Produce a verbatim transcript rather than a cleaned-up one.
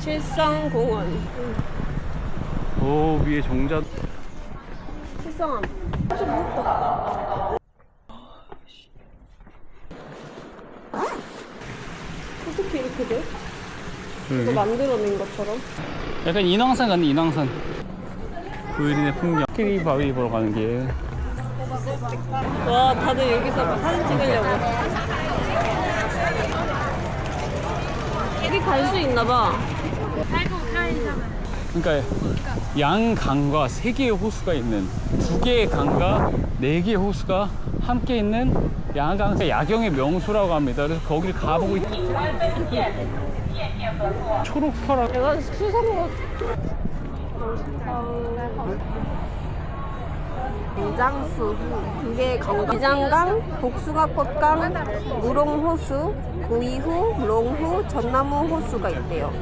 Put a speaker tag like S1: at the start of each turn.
S1: 칠성공원.
S2: 오, 위에 종자.
S1: 칠성암. 좀 무겁다. 어떻게 이렇게 돼? 이거
S2: 저기.
S1: 만들어낸 것처럼?
S2: 약간 인왕산 같네, 인왕산. 구일인의 풍경. 코끼리 바위 보러 가는 길.
S1: 와, 다들 여기서 막 사진 찍으려고. 여기 갈 수 있나 봐.
S2: 그러니까 양강과 세 개의 호수가 있는, 두 개의 강과 네 개의 호수가 함께 있는 양강, 야경의 명소라고 합니다. 그래서 거기를 가보고 있... 초록파라.
S1: 내가 수성로 이장수 두 개의 강강, 이장강, 복숭아꽃강, 무롱호수, 구이후, 롱후, 전나무 호수가 있대요.